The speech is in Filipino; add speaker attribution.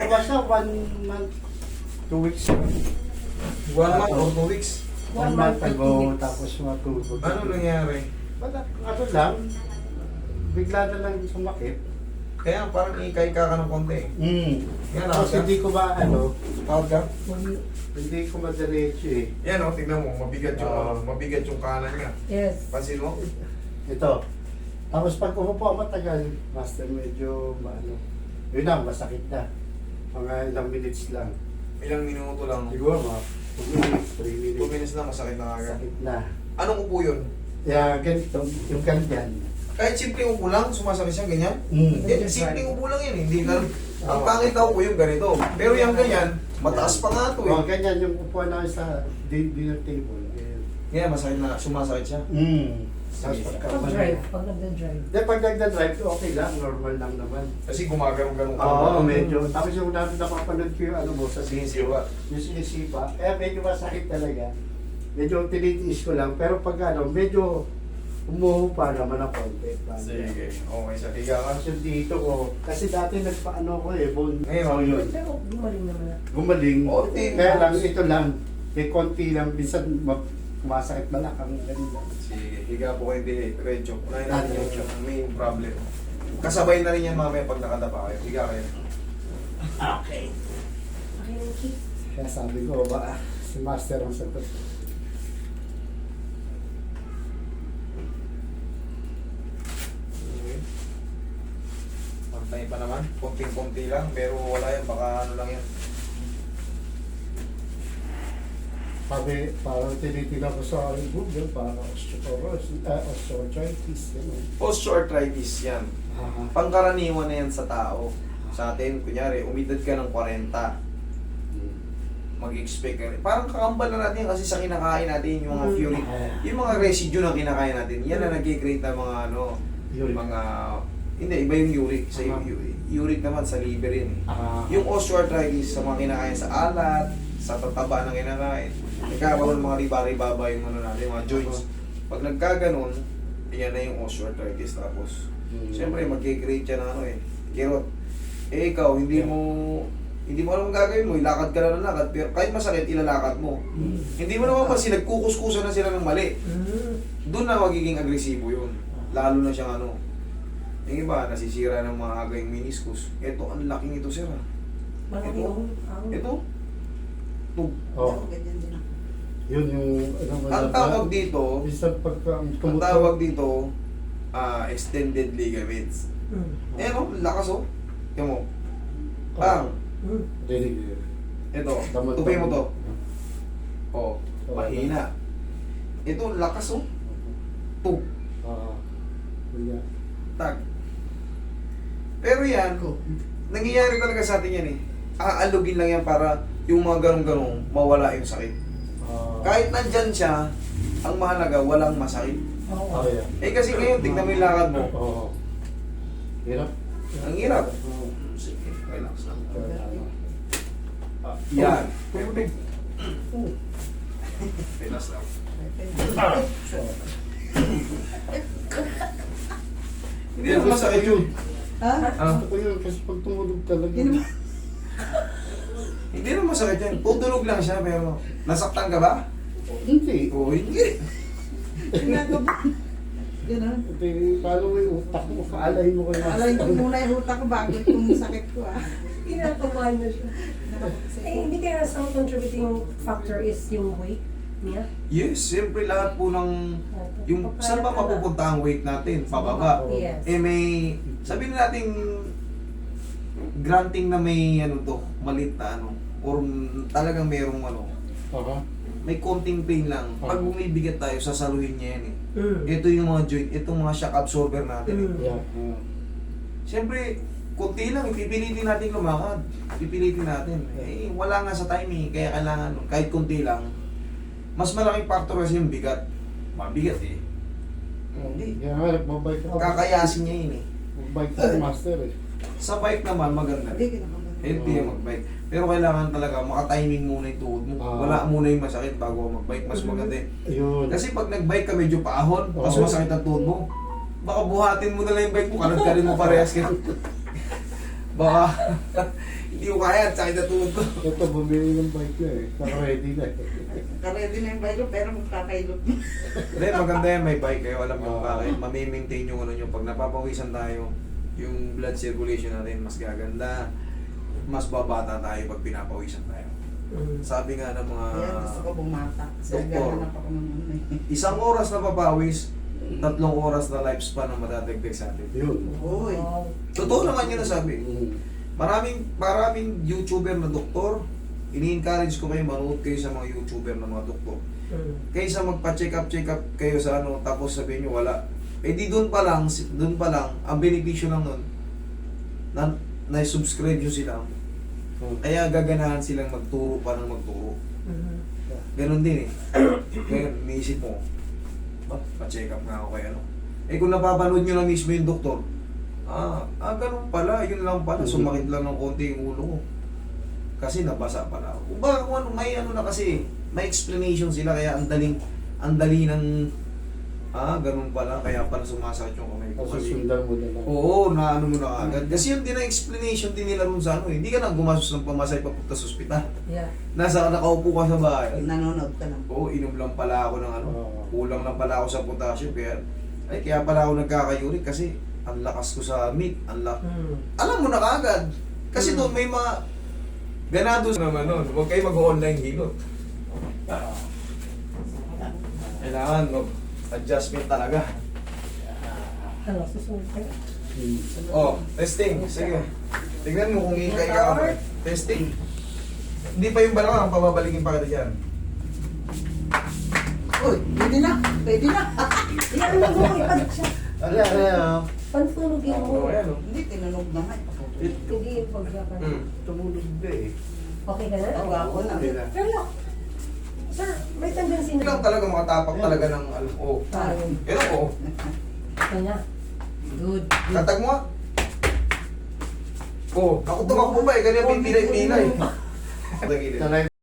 Speaker 1: basta 1 month, 2 weeks.
Speaker 2: 1 month or 2 weeks.
Speaker 1: 1 month ago, tapos matulog.
Speaker 2: Ano nangyari?
Speaker 1: Wala, ano lang, bigla na lang sumakit.
Speaker 2: Kaya parang ikay-ka ka ng konti. Yan,
Speaker 1: Tapos hindi ko ba,
Speaker 2: Tawag ka?
Speaker 1: hindi ko madiretso eh.
Speaker 2: Yan o, tignan mo, mabigat yung,
Speaker 1: Oo.
Speaker 2: mabigat yung kanan niya.
Speaker 3: Yes.
Speaker 2: Pansin mo?
Speaker 1: Ito. Tapos pag umupo ako matagal, master, medyo, yun lang, masakit na. Mga ilang minutes lang.
Speaker 2: Ilang minuto lang.
Speaker 1: Siguro mga 2 minutes, 3
Speaker 2: 2
Speaker 1: minutes.
Speaker 2: minutes lang, masakit na agad.
Speaker 1: Sakit na.
Speaker 2: Anong upo yun?
Speaker 1: Kaya ganito, yung ganyan.
Speaker 2: Kahit simpleng upo lang, sumasakit siya, ganyan. Simpleng upo lang yun, hindi na. Ang pangit na upo yung ganito. Pero yung ganyan, mataas pa nga ito eh.
Speaker 1: Ganyan yung upuan namin sa dinner table.
Speaker 2: Kaya masakit na, sumasakit siya.
Speaker 1: Tapos
Speaker 3: Pag-drive, pag nagda-drive.
Speaker 1: pag nagda-drive, okay lang, normal lang naman.
Speaker 2: Kasi gumagano'n-ganon ka.
Speaker 1: Oo, medyo. Tapos yung napapanood ko yung mo sa
Speaker 2: Sinisiwa.
Speaker 1: yung sinisipa, medyo masakit talaga. Medyo tinitiis ko lang, pero pag medyo umuhupa naman ang konti.
Speaker 2: Sige, okay, sa higa ka.
Speaker 1: Kasi dito ko, kasi dati nagpaano ko bone.
Speaker 2: Ngayon,
Speaker 1: yun.
Speaker 3: Pero gumaling naman na.
Speaker 1: Gumaling.
Speaker 2: Konti.
Speaker 1: Kaya lang, ito lang, may konti lang, minsan masakit balakang ganyan.
Speaker 2: Sige, higa po kayo din. Diretso. Unahin natin
Speaker 1: Diretso.
Speaker 2: yung main problem. Kasabay na rin yan mamaya pag nakadapa kayo. Higa kayo.
Speaker 1: Okay.
Speaker 3: Okay.
Speaker 1: Kaya sabi ko, ba, si Master ang sagot.
Speaker 2: Okay. Pantay pa naman. Konting-konti lang. Pero wala yan. Baka ano lang yan.
Speaker 1: Sabi, parang tinitingnan ko sa Google, parang osteoarthritis, gano'n.
Speaker 2: Osteoarthritis yan.
Speaker 1: Ah,
Speaker 2: Pangkaraniwan na yan sa tao. Sa atin, kunyari, umidad ka ng 40. Mag-expect ka rin. Parang kakambal na natin kasi sa kinakain natin yung mga fury. Yung mga residue na kinakain natin, yan na nag-create ng mga
Speaker 1: Uric.
Speaker 2: mga hindi, iba yung uric. Sa uric naman, sa liver yun eh. Yung
Speaker 1: yung
Speaker 2: osteoarthritis sa mga kinakain sa alat, sa tataba ng kinakain, nagkakaroon ng mga riba-ribaba yung ano natin, mga joints. Pag nagkaganon, yan na yung osteoarthritis. Tapos, siyempre, mag-create yan ng kirot. Ikaw, hindi mo alam ang gagawin mo, ilakad ka na ng lakad, pero kahit masakit, ilalakad mo. Hindi mo naman kasi nagkukuskusan na sila ng mali. Doon na magiging agresibo yun. Lalo na siyang yung iba, nasisira ng mga aga yung meniscus. Ito, ang laking ito, sir.
Speaker 3: Malaki yung
Speaker 2: Ito. Tug.
Speaker 3: Ganyan din ako.
Speaker 1: yun yung
Speaker 2: Ang tawag dito,
Speaker 1: Minsan pagka
Speaker 2: ang tawag dito, extended ligaments. Eh, lakas oh. Tingnan mo. Bang! Ito, tupin mo to. Oh, mahina. Ito, lakas oh. Tug. Tag. Pero yan, nangyayari talaga sa atin yan eh. Aalugin lang yan para yung mga ganong-ganong mawala yung sakit. Kahit nandyan siya, ang mahalaga, walang masakit.
Speaker 3: Oo.
Speaker 2: Eh kasi ngayon, tignan mo yung lakad mo.
Speaker 1: Hirap.
Speaker 2: Ang hirap. Sige, relax lang. Yan. Perfect. Relax lang. Hindi na masakit yun.
Speaker 3: Ha?
Speaker 1: Gusto ko yun kasi pag tumulog talaga.
Speaker 2: Hindi na masakit yan. Tutulog lang siya, pero nasaktan ka ba?
Speaker 1: Hindi.
Speaker 2: Oo, hindi.
Speaker 3: Ganun.
Speaker 1: Hindi, paano mo yung utak mo? Kaalay mo kayo.
Speaker 3: Alay ko muna yung utak ko bago itong sakit ko
Speaker 4: Kinakabahan na siya. Eh, hindi kaya sa contributing factor is yung weight niya?
Speaker 2: Yes, siyempre lahat po ng... Yung, saan ba mapupunta ang weight natin? Pababa.
Speaker 4: Yes.
Speaker 2: Eh may... Sabihin natin granting na may malit na or talagang merong may konting pain lang. Pag bumibigat tayo, sasaluhin niya yan eh. Ito yung mga joint, itong mga shock absorber natin eh.
Speaker 1: Yeah.
Speaker 2: Siyempre, konti lang, pipilitin natin lumakad. Pipilitin natin. Eh, wala nga sa timing, kaya kailangan, kahit konti lang, mas malaking factor kasi yung bigat. Mabigat eh. Hindi.
Speaker 1: Kaya nga, nagbabike ako.
Speaker 2: Kakayasin niya yun eh.
Speaker 1: Magbike ako, master eh.
Speaker 2: Sa bike naman, maganda. Healthy yung mag-bike. Pero kailangan talaga maka-timing muna yung tuhod mo. Wala muna yung masakit bago mag-bike. Mas maganda eh.
Speaker 1: Ayun.
Speaker 2: Kasi pag nag-bike ka medyo paahon, mas masakit ang tuhod mo. Baka buhatin mo na lang yung bike mo, kanad ka rin mo parehas ka. Baka Hindi ko kaya, sakit na tuhod ko.
Speaker 1: Ito, bumili ng bike na eh. Naka-ready na eh.
Speaker 3: Karedy na yung bago, pero magkakailot mo.
Speaker 2: Hindi, maganda yan, may bike kayo. Alam nyo bakit? Mamimaintain yung ano nyo. Pag napapawisan tayo, yung blood circulation natin mas gaganda. Mas babata tayo pag pinapawisan tayo. Sabi nga ng mga
Speaker 3: Kaya gusto ko bumata. Kasi
Speaker 2: doktor,
Speaker 3: naghahanap ako ng ano eh.
Speaker 2: 1 oras na papawis, 3 oras na lifespan ang madadagdag sa atin.
Speaker 1: Yun.
Speaker 3: Uy.
Speaker 2: Totoo naman yun nasabi.
Speaker 1: Mm.
Speaker 2: Maraming YouTuber na doktor, ini-encourage ko kayo, manood kayo sa mga YouTuber na mga doktor. Kaysa magpa-check up kayo sa ano, tapos sabihin nyo wala. Eh di doon pa lang, ang benepisyo lang nun, na-subscribe nyo sila. Kaya gaganahan silang magturo pa ng magturo. Ganon din eh. Ngayon, naisip mo, pa-check up nga ako kay ano. Eh kung napapanood nyo na mismo yung doktor, ganun pala, yun lang pala, sumakit lang ng konti yung ulo ko. Kasi nabasa pala ako. Kung ano, may ano na kasi, may explanation sila, kaya ang dali ng, ganun pala, kaya pala sumasakit yung kamay ko.
Speaker 1: Kasi sundan mo na lang.
Speaker 2: Oo, naano mo na agad. Kasi yun din ang explanation din nila ron sa ano, hindi ka na gumastos ng pamasay papunta sa ospital.
Speaker 4: Yeah.
Speaker 2: Nakaupo ka sa bahay.
Speaker 3: Nanonood ka lang.
Speaker 2: Oo, inom lang pala ako ng ano,
Speaker 1: Oo.
Speaker 2: kulang lang pala ako sa potassium, kaya pala ako nagkakayurik kasi ang lakas ko sa meat, alam mo na kaagad. Kasi doon may mga ganado naman nun, huwag kayo mag-online hilot. Kailangan mag-adjustment talaga.
Speaker 4: Ano, susunod ka?
Speaker 2: Oh, testing. Sige. Tignan mo kung ikay ka ako. Testing. Hindi pa yung balakang, pababalikin pa kita dyan.
Speaker 3: Uy, pwede na. Pwede na.
Speaker 4: Iyan mo mo, ipalit siya.
Speaker 1: Ano?
Speaker 4: Pansunugin mo.
Speaker 2: Ayan, oh.
Speaker 3: Hindi, tinunog na nga.
Speaker 4: Hindi yung pagkakan.
Speaker 1: Tumulog na eh.
Speaker 4: Okay ka na?
Speaker 3: Oo, ako na.
Speaker 1: Okay na.
Speaker 4: Pero, sir, may tendency
Speaker 2: Hindi lang talaga makatapak talaga ng ano. Oh.
Speaker 4: Parang,
Speaker 2: Ito po.
Speaker 4: okay na. Good.
Speaker 2: Tatag mo. Oh, ako tumakbo ba eh. Ganyan pinilay-pilay.
Speaker 1: Sa live